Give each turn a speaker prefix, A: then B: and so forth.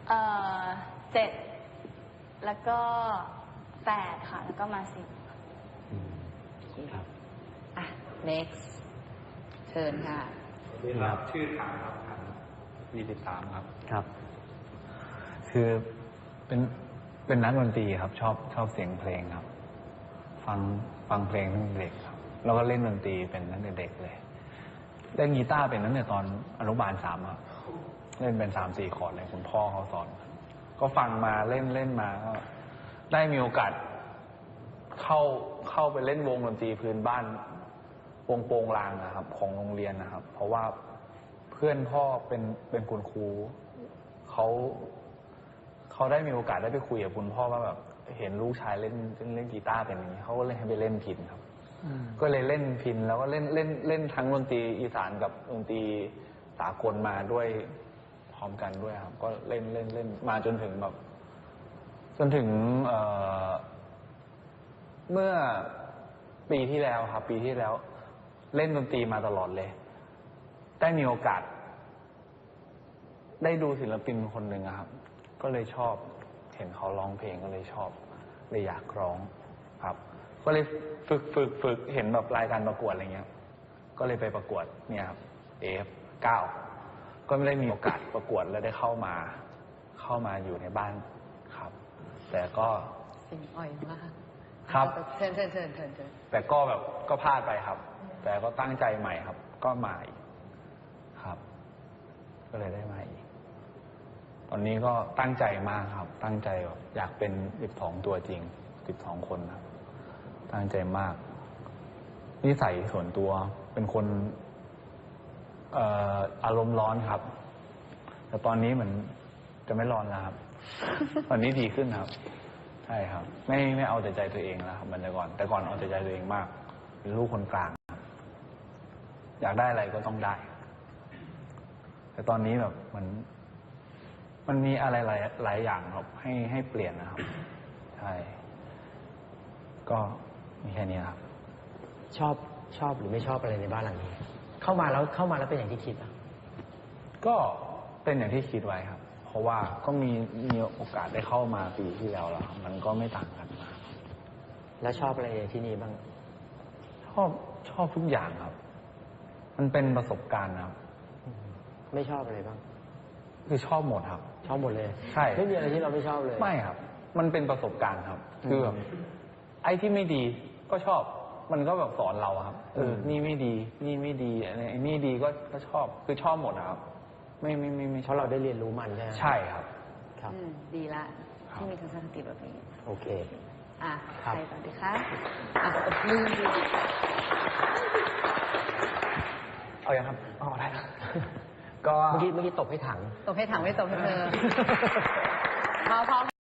A: 7แล้วก็8ค่ะแล้วก็มา10
B: ครับ
C: next เชิญค่ะ
D: ครับชื่อถามครับ23ครับ
B: ครับ คือเป็นนักดนตรีครับชอบเสียงเพลงครับ ฟังเพลงตั้งแต่เด็กครับแล้วก็เล่นดนตรีเป็นตั้งแต่เด็กเลยเล่นกีตาร์เป็นตั้งแต่ตอนอนุบาล3ครับเล่นเป็น3-4 คอร์ดเลยคุณพ่อเขาสอนก็ฟังมาเล่นมาก็ได้มีโอกาสเข้าไปเล่นวงดนตรีพื้นบ้านวงโปงลางนะครับ ของโรงเรียนนะครับ เพราะว่าเพื่อนพ่อเป็นคุณครูเขาได้มีโอกาสได้ไปคุยกับคุณพ่อว่าแบบเห็นลูกชายเล่นกีตาร์เป็นอย่างนี้เขาก็เลยให้ไปเล่นพิณครับก็เลยเล่นพิณแล้วก็เล่นทั้งดนตรีอีสานกับดนตรีสากลมาด้วยพร้อมกันด้วยครับก็เล่นมาจนถึงเมื่อปีที่แล้วครับปีที่แล้วเล่นดนตรีมาตลอดเลยได้มีโอกาสได้ดูศิลปินคนหนึ่งครับก็เลยชอบเห็นเขาร้องเพลงก็เลยชอบเลยอยากร้องครับก็เลยฝึกเห็นแบบรายการประกวดอะไรเงี้ยก็เลยไปประกวดเนี่ยครับ AF9 ก็ไม่ได้มีโอกาสประกวดแล้วได้เข้ามาอยู่ในบ้านครับแต่ก็
C: เสียงอ่อยมาก
B: ครับ
C: เชิญ
B: แต่ก็แบบก็พลาดไปครับแต่ก็ตั้งใจใหม่ครับก็มาอีกครับก็เลยได้มาอีกตอนนี้ก็ตั้งใจมากครับตั้งใจแบบอยากเป็น12ตัวจริง12คนครับตั้งใจมากนิสัยส่วนตัวเป็นคนอารมณ์ร้อนครับแต่ตอนนี้เหมือนจะไม่ร้อนแล้วครับตอนนี้ดีขึ้นครับใช่ครับไม่เอาแต่ใจตัวเองแล้วครับแต่ก่อนเอาแต่ใจตัวเองมากเป็นลูกคนกลางครับอยากได้อะไรก็ต้องได้แต่ตอนนี้แบบมันมีอะไรหลายอย่างครับให้เปลี่ยนนะครับใช่ก็มีแค่นี้ครับ
E: ชอบหรือไม่ชอบอะไรในบ้านหลังนี้เข้ามาแล้วเป็นอย่างที่คิดอ่ะ
B: ก็เป็นอย่างที่คิดไว้ครับเพราะว่าก็มีโอกาสได้เข้ามาปีที่แล้วครับมันก็ไม่ต่างกันมาก
E: แล้วชอบอะไรที่นี่บ้าง
B: ชอบทุกอย่างครับมันเป็นประสบการณ์ครับ
E: ไม่ชอบอะไรบ้าง
B: คือชอบหมดครับ
E: ชอบหมดเลย
B: ใช่
E: ไม่มีอะไรที่เราไม่ชอบเลย
B: ไม่ครับมันเป็นประสบการณ์ครับคือแบบไอ้ที่ไม่ดีก็ชอบมันก็แบบสอนเราครับนี่ไม่ดีนี่ไม่ดีไอ้นี่ดีก็ชอบคือชอบหมดครับไม่
E: เพราะเราได้เรียนรู้มันใช่ไหม
B: ใช่ครับ
C: ครับดีละที่มีทัศนคติแบบนี้
E: โอเค
C: ใครต่อดีคะลืม
E: เอาอย่างครับได้นะก็เมื่อกี้ตบให้ถัง
C: ไม่ตบให้เธอพอ